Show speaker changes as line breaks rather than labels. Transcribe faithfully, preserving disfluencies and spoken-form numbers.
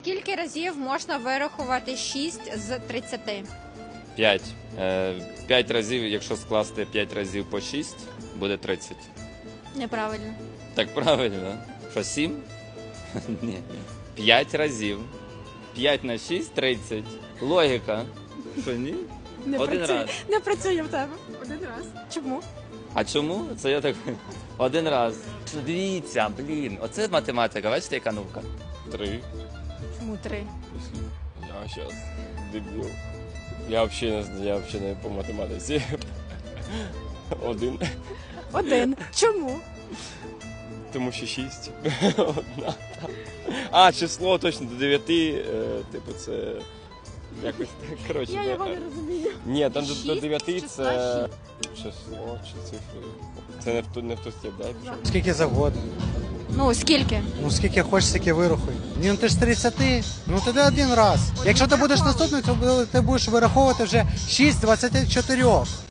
Скільки разів можна вирахувати шість з тридцяти?
п'ять. Е, п'ять разів, якщо скласти п'ять разів по шість, буде тридцять.
Неправильно.
Так правильно? Що, сім? Ні. п'ять разів. п'ять на шість – тридцять. Логіка. Що, ні?
Не
Один
працює.
раз.
Не працює в тебе. Один раз. Чому?
А чому? Це я так... Один раз. Дивіться, блін. Оце математика. Бачите, яка наука?
Три.
Чому три?
Я сейчас дебіл. Я взагалі не знаю, я взагалі не по математиці. Один.
Один. Чому?
Тому що шість. Одна. А, число точно до дев'яти. е, Типу це якось так. Коротше.
Я
да.
його не розумію.
Ні, там до, до
Шість
дев'яти
з
це
числа
число чи цифри. Це не в ту не в ту степ, да? я пішов?
Скільки завгодно.
Ну, скільки?
Ну скільки хочеш, стільки вирахуй. Ні, ну ти ж з тридцяти, ну тоді один раз. Якщо ти будеш наступний, то ти будеш вираховувати вже шість з двадцяти чотирьох.